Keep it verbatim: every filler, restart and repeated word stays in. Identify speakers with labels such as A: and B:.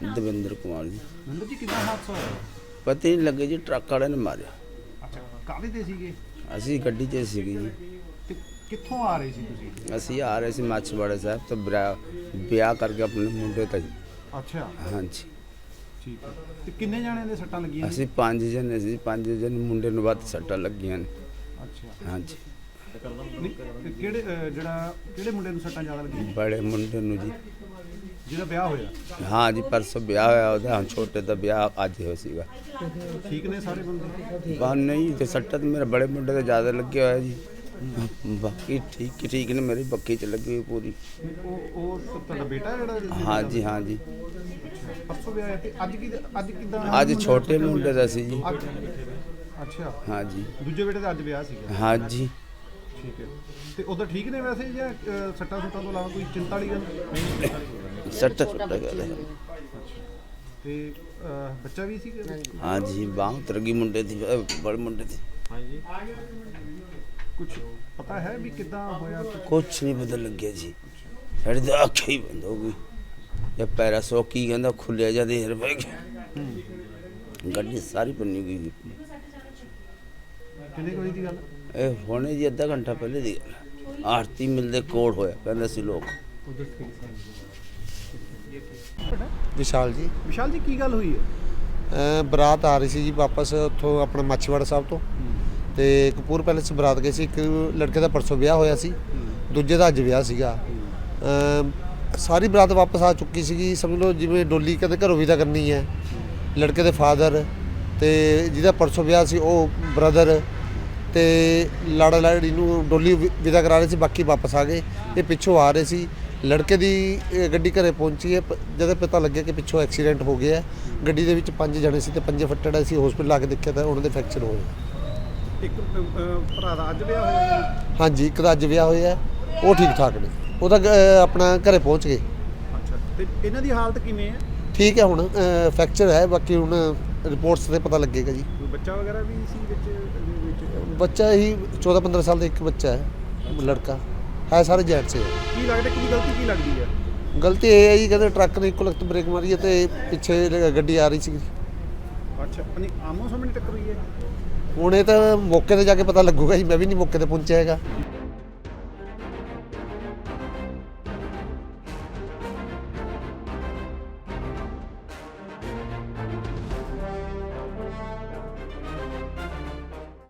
A: ਦਵਿੰਦਰ ਕੁਮਾਰ ਜੀ।
B: ਦਵਿੰਦਰ ਜੀ ਕਿੱਦਾਂ ਹਾਦਸਾ ਹੋਇਆ?
A: ਪਤਾ ਹੀ ਨਹੀਂ ਲੱਗੇ ਜੀ, ਟਰੱਕ ਵਾਲੇ ਨੇ ਮਾਰਿਆ।
B: ਅੱਛਾ, ਕਾਹਦੇ ਤੇ ਸੀਗੇ?
A: ਅਸੀਂ ਗੱਡੀ 'ਚ ਸੀਗੇ ਜੀ।
B: ਤੇ ਕਿੱਥੋਂ ਆ ਰਹੇ ਸੀ ਤੁਸੀਂ?
A: ਅਸੀਂ ਆ ਰਹੇ ਸੀ ਮਾਛੀਵਾੜਾ ਸਾਹਿਬ ਤੋਂ ਵਿਆਹ ਵਿਆਹ ਕਰਕੇ ਆਪਣੇ ਮੁੰਡੇ ਦਾ ਜੀ।
B: ਅੱਛਾ,
A: ਹਾਂਜੀ
B: ਠੀਕ ਹੈ। ਤੇ ਕਿੰਨੇ ਜਾਣਿਆਂ ਦੇ ਸੱਟਾਂ ਲੱਗੀਆਂ?
A: ਅਸੀਂ ਪੰਜ ਜਣੇ ਸੀ, ਪੰਜ ਜਣੇ ਮੁੰਡੇ ਨੂੰ ਵੱਧ ਸੱਟਾਂ ਲੱਗੀਆਂ ਨੇ।
B: ਅੱਛਾ,
A: ਹਾਂਜੀ।
B: ਨਹੀਂ, ਤੇ ਕਿਹੜੇ ਅਹ, ਜਿਹੜਾ ਕਿਹੜੇ ਮੁੰਡੇ ਨੂੰ ਸੱਟਾਂ ਜ਼ਿਆਦਾ ਲੱਗੀਆਂ?
A: ਬੜੇ ਮੁੰਡੇ ਨੂੰ ਜੀ।
B: ਜਿਹਦਾ ਵਿਆਹ ਹੋਇਆ?
A: ਹਾਂ ਜੀ, ਪਰਸੋਂ ਵਿਆਹ ਹੋਇਆ ਉਹਦਾ, ਹੁਣ ਛੋਟੇ ਦਾ ਵਿਆਹ ਅੱਜ ਹੋਇਆ ਸੀਗਾ।
B: ਠੀਕ ਨੇ ਸਾਰੇ ਬੰਦੇ?
A: ਬਾਹਰ ਨਹੀਂ ਤੇ ਸੱਟਾਂ ਤਾਂ ਮੇਰੇ ਬੜੇ ਮੁੰਡੇ ਤੇ ਜ਼ਿਆਦਾ ਲੱਗਿਆ ਹੋਇਆ ਜੀ। ਬਾਕੀ ਠੀਕ ਠੀਕ ਨੇ, ਮੇਰੀ ਬੱਕੀ 'ਚ ਲੱਗੀ ਹੋਈ ਪੂਰੀ।
B: ਉਹ ਉਹ ਤੁਹਾਡਾ ਬੇਟਾ ਜਿਹੜਾ?
A: ਹਾਂ ਜੀ, ਹਾਂ ਜੀ।
B: ਪਰਸੋਂ ਵਿਆਹ ਹੈ ਤੇ ਅੱਜ ਕੀ ਅੱਜ ਕਿੱਦਾਂ?
A: ਅੱਜ ਛੋਟੇ ਮੁੰਡੇ ਦਾ ਸੀ ਜੀ।
B: ਅੱਛਾ,
A: ਹਾਂ ਜੀ।
B: ਦੂਜੇ ਬੇਟੇ ਦਾ ਅੱਜ ਵਿਆਹ ਸੀਗਾ?
A: ਹਾਂ ਜੀ।
B: ਠੀਕ ਹੈ। ਤੇ ਉਧਰ ਠੀਕ ਨੇ ਵੈਸੇ ਜਾਂ ਅਹ, ਸੱਟਾਂ ਸੁੱਟਾਂ ਤੋਂ ਇਲਾਵਾ ਕੋਈ ਚਿੰਤਾ ਵਾਲੀ ਗੱਲ?
A: ਸੱਟਾਂ ਸੁੱਟਾਂ ਗੱਲ ਹੈ।
B: ਤੇ ਅਹ, ਬੱਚਾ ਵੀ ਸੀਗਾ?
A: हाँ जी, बाँह उतर गई मुंडे थी, बड़े मुंडे थे।
B: हाँ जी। कुछ पता है भी कितना होया?
A: कुछ नहीं पता लग गया जी, साड़ी तो अख ही बंद हो गई। जब पैरा सौ की कहता खुलिया जा देर पै गया, गड्डी सारी बनी गई।
B: किन्ने कोई दी गल?
A: ए होने जी अद्धा घंटा पहले दी गल। आरती मिलते कोड़ होया कहते सी लोग।
C: विशाल जी।
B: विशाल जी की गल हुई है?
C: ਅ, ਬਰਾਤ ਆ ਰਹੀ ਸੀ ਜੀ ਵਾਪਸ ਉੱਥੋਂ ਆਪਣਾ ਮਾਛੀਵਾੜਾ ਸਾਹਿਬ ਤੋਂ, ਤੇ ਕਪੂਰ ਪੈਲੇਸ ਬਰਾਤ ਗਏ ਸੀ। ਇੱਕ ਲੜਕੇ ਦਾ ਪਰਸੋਂ ਵਿਆਹ ਹੋਇਆ ਸੀ, ਦੂਜੇ ਦਾ ਅੱਜ ਵਿਆਹ ਸੀਗਾ। ਅ, ਸਾਰੀ ਬਰਾਤ ਵਾਪਸ ਆ ਚੁੱਕੀ ਸੀਗੀ। ਸਮਝ ਲਓ ਜਿਵੇਂ ਡੋਲੀ ਕਦੇ ਘਰੋਂ ਵਿਦਾ ਕਰਨੀ ਹੈ। ਲੜਕੇ ਦੇ ਫਾਦਰ ਤੇ ਜਿਹਦਾ ਪਰਸੋਂ ਵਿਆਹ ਸੀ ਉਹ ਬ੍ਰਦਰ ਤੇ ਲਾੜਾ ਲਾੜੀ ਨੂੰ ਡੋਲੀ ਵਿਦਾ ਕਰਾ ਰਹੇ ਸੀ, ਬਾਕੀ ਵਾਪਸ ਆ ਗਏ। ਇਹ ਪਿੱਛੋਂ ਆ ਰਹੇ ਸੀ। ਲੜਕੇ ਦੀ ਗੱਡੀ ਘਰੇ ਪਹੁੰਚੀ ਹੈ, ਜਦੋਂ ਪਤਾ ਲੱਗਿਆ ਕਿ ਪਿੱਛੋਂ ਐਕਸੀਡੈਂਟ ਹੋ ਗਿਆ। ਗੱਡੀ ਦੇ ਵਿੱਚ ਪੰਜ ਜਣੇ ਸੀ ਤੇ ਪੰਜੇ ਫੱਟੜ ਸੀ। ਹਸਪੀਟਲ ਆ ਕੇ ਦੇਖਿਆ ਤਾਂ ਉਹਨਾਂ ਦੇ ਫ੍ਰੈਕਚਰ ਹੋਏ।
B: ਇੱਕ ਅਹ, ਭਰਾ ਦਾ ਅੱਜ ਵਿਆਹ ਹੋਇਆ?
C: ਹਾਂਜੀ, ਇੱਕ ਦਾ ਅੱਜ ਵਿਆਹ ਹੋਇਆ, ਉਹ ਠੀਕ ਠਾਕ ਨੇ। ਉਹ ਤਾਂ ਅ, ਆਪਣਾ ਘਰੇ ਪਹੁੰਚ ਗਏ।
B: ਅੱਛਾ, ਤੇ ਇਹਨਾਂ ਦੀ ਹਾਲਤ ਕਿਵੇਂ ਹੈ?
C: ਠੀਕ ਹੈ, ਹੁਣ ਫ੍ਰੈਕਚਰ ਹੈ, ਬਾਕੀ ਹੁਣ ਰਿਪੋਰਟਸ ਤੇ ਪਤਾ ਲੱਗੇਗਾ ਜੀ।
B: ਕੋਈ ਬੱਚਾ ਵਗੈਰਾ ਵੀ ਸੀ ਵਿੱਚ ਵਿੱਚ?
C: ਬੱਚਾ ਹੀ ਚੌਦਾਂ ਪੰਦਰਾਂ ਸਾਲ ਦਾ ਇੱਕ ਬੱਚਾ ਹੈ, ਲੜਕਾ ਹੈ। ਸਾਰੇ ਜੈਂਟਸ ਹੈ।
B: ਕੀ ਲੱਗਦਾ ਕੀ ਗਲਤੀ ਕੀ ਲੱਗਦੀ ਹੈ?
C: ਗਲਤੀ ਇਹ ਹੈ ਜੀ, ਕਹਿੰਦੇ ਟਰੱਕ ਨੇ ਇੱਕੋ ਲਖਤ ਬ੍ਰੇਕ ਮਾਰੀ ਹੈ ਤੇ ਪਿੱਛੇ ਗੱਡੀ ਆ ਰਹੀ ਸੀ।
B: ਅੱਛਾ, ਨਹੀਂ ਆਮੋ ਸਾਹਮਣੇ ਟੱਕਰ ਹੋਈ ਹੈ?
C: ਹੁਣ ਇਹ ਤਾਂ ਮੌਕੇ ਤੇ ਜਾ ਕੇ ਪਤਾ ਲੱਗੂਗਾ ਜੀ, ਮੈਂ ਵੀ ਨਹੀਂ ਮੌਕੇ ਤੇ ਪਹੁੰਚਿਆ ਹੈਗਾ।